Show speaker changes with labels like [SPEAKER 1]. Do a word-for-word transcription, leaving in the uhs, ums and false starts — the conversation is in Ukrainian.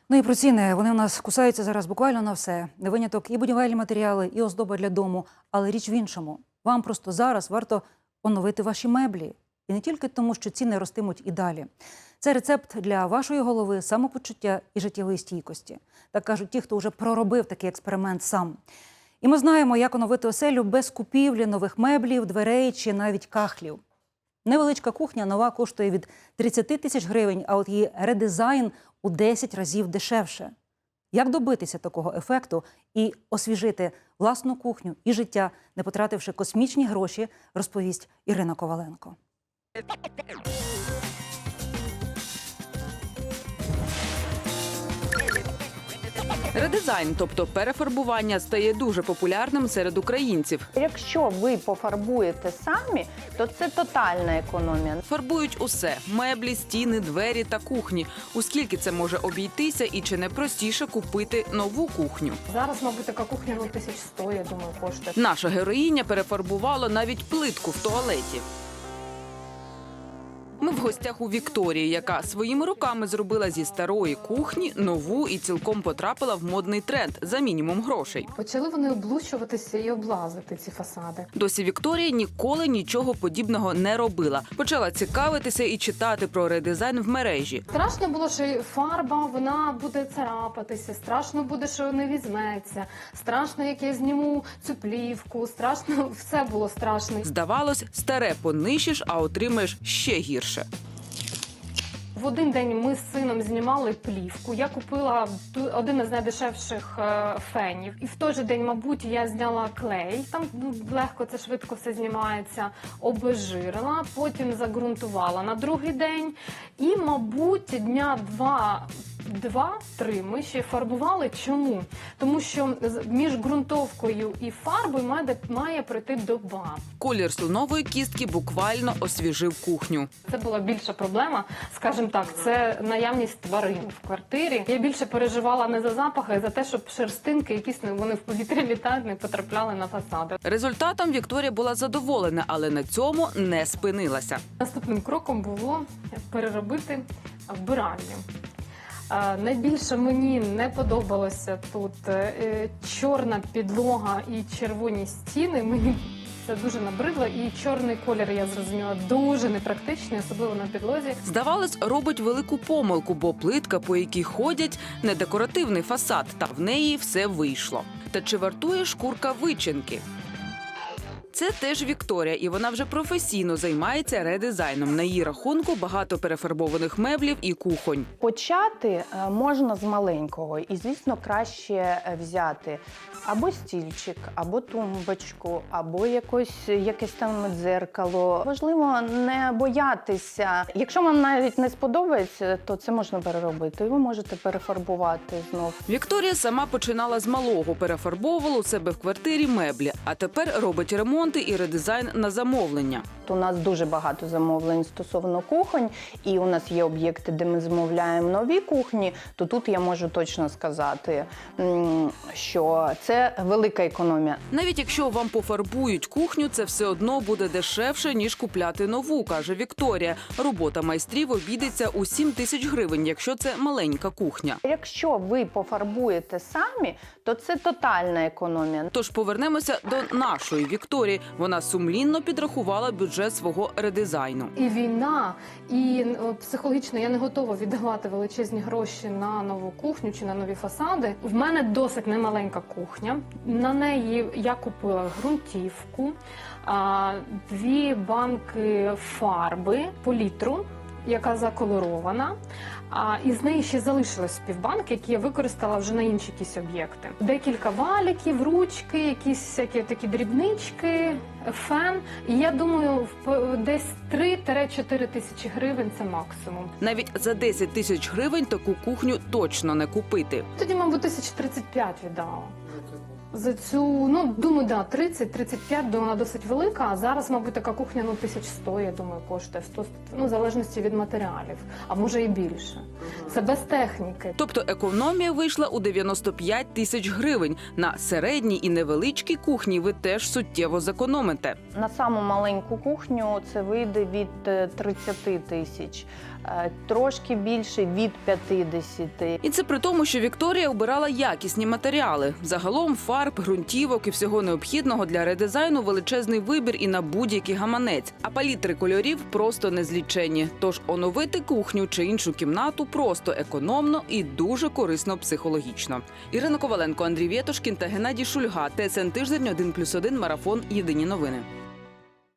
[SPEAKER 1] Ну і про ціни. Вони у нас кусаються зараз буквально на все. Не виняток і будівельні матеріали, і оздоба для дому. Але річ в іншому. Вам просто зараз варто оновити ваші меблі. І не тільки тому, що ціни ростимуть і далі. Це рецепт для вашої голови, самопочуття і життєвої стійкості. Так кажуть ті, хто вже проробив такий експеримент сам. І ми знаємо, як оновити оселю без купівлі нових меблів, дверей чи навіть кахлів. Невеличка кухня нова коштує від тридцяти тисяч гривень, а от її редизайн у десять разів дешевше. Як добитися такого ефекту і освіжити власну кухню і життя, не потративши космічні гроші, розповість Ірина Коваленко.
[SPEAKER 2] Редизайн, тобто перефарбування, стає дуже популярним серед українців.
[SPEAKER 3] Якщо ви пофарбуєте самі, то це тотальна економія.
[SPEAKER 2] Фарбують усе – меблі, стіни, двері та кухні. У скільки це може обійтися і чи не простіше купити нову кухню?
[SPEAKER 4] Зараз, мабуть, така кухня ну, тисяч сто, я думаю, коштує.
[SPEAKER 2] Наша героїня перефарбувала навіть плитку в туалеті. Ми в гостях у Вікторії, яка своїми руками зробила зі старої кухні нову і цілком потрапила в модний тренд за мінімум грошей.
[SPEAKER 4] Почали вони облущуватися і облазити ці фасади.
[SPEAKER 2] Досі Вікторія ніколи нічого подібного не робила. Почала цікавитися і читати про редизайн в мережі.
[SPEAKER 4] Страшно було, що фарба, вона буде царапатися, страшно буде, що не візьметься, страшно, як я зніму цю плівку, страшно, все було страшно.
[SPEAKER 2] Здавалось, старе понищиш, а отримаєш ще гірше.
[SPEAKER 4] В один день ми з сином знімали плівку. Я купила один із найдешевших фенів. І в той же день, мабуть, я зняла клей. Там ну, легко, це швидко все знімається. Обезжирила, потім загрунтувала на другий день. І, мабуть, дня два... Два-три ми ще фарбували. Чому? Тому що між ґрунтовкою і фарбою має, має пройти доба.
[SPEAKER 2] Колір слонової кістки буквально освіжив кухню.
[SPEAKER 4] Це була більша проблема, скажімо так, це наявність тварин в квартирі. Я більше переживала не за запахи, а за те, щоб шерстинки, якісь вони в повітрі літають, не потрапляли на фасади.
[SPEAKER 2] Результатом Вікторія була задоволена, але на цьому не спинилася.
[SPEAKER 4] Наступним кроком було переробити вбиральню. Найбільше мені не подобалося тут е, чорна підлога і червоні стіни. Мені це дуже набридло. І чорний колір, я зрозуміла, дуже непрактичний, особливо на підлозі.
[SPEAKER 2] Здавалось, робить велику помилку, бо плитка, по якій ходять, не декоративний фасад, та в неї все вийшло. Та чи вартує шкурка вичинки? Це теж Вікторія, і вона вже професійно займається редизайном. На її рахунку багато перефарбованих меблів і кухонь.
[SPEAKER 3] Почати можна з маленького. І, звісно, краще взяти або стільчик, або тумбочку, або якось, якесь там дзеркало. Важливо не боятися. Якщо вам навіть не сподобається, то це можна переробити. І ви можете перефарбувати знов.
[SPEAKER 2] Вікторія сама починала з малого, перефарбовувала у себе в квартирі меблі, а тепер робить ремонти і редизайн на замовлення.
[SPEAKER 3] У нас дуже багато замовлень стосовно кухонь, і у нас є об'єкти, де ми замовляємо нові кухні, то тут я можу точно сказати, що це велика економія.
[SPEAKER 2] Навіть якщо вам пофарбують кухню, це все одно буде дешевше, ніж купляти нову, каже Вікторія. Робота майстрів обійдеться у сім тисяч гривень, якщо це маленька кухня.
[SPEAKER 3] Якщо ви пофарбуєте самі, то це тотальна економія.
[SPEAKER 2] Тож повернемося до нашої Вікторії. Вона сумлінно підрахувала бюджет свого редизайну.
[SPEAKER 4] І війна, і психологічно я не готова віддавати величезні гроші на нову кухню чи на нові фасади. В мене досить немаленька кухня. На неї я купила ґрунтівку, дві банки фарби по літру, яка заколорована. А із неї ще залишилось півбанки, які я використала вже на інші якісь об'єкти. Декілька валіків, ручки, якісь всякі такі дрібнички, фен. І я думаю, десь три-чотири тисячі гривень – це максимум.
[SPEAKER 2] Навіть за десять тисяч гривень таку кухню точно не купити.
[SPEAKER 4] Тоді, мабуть, тисяч тридцять п'ять віддала. За цю, ну, думаю, да, тридцять-тридцять п'ять, думаю, вона досить велика, а зараз, мабуть, така кухня, ну, тисяч сто, я думаю, коштує, сто, ну, в залежності від матеріалів, а може і більше. Це без техніки.
[SPEAKER 2] Тобто економія вийшла у дев'яносто п'ять тисяч гривень. На середній і невеличкій кухні ви теж суттєво зекономите.
[SPEAKER 3] На саму маленьку кухню це вийде від тридцяти тисяч. е, трошки більше від п'ятдесят.
[SPEAKER 2] І це при тому, що Вікторія обирала якісні матеріали. Загалом фарб, ґрунтівок і всього необхідного для редизайну величезний вибір і на будь-який гаманець. А палітри кольорів просто незліченні. Тож оновити кухню чи іншу кімнату просто економно і дуже корисно психологічно. Ірина Коваленко, Андрій Вєтошкін та Геннадій Шульга. ТСН Тиждень, один плюс один, марафон. Єдині новини.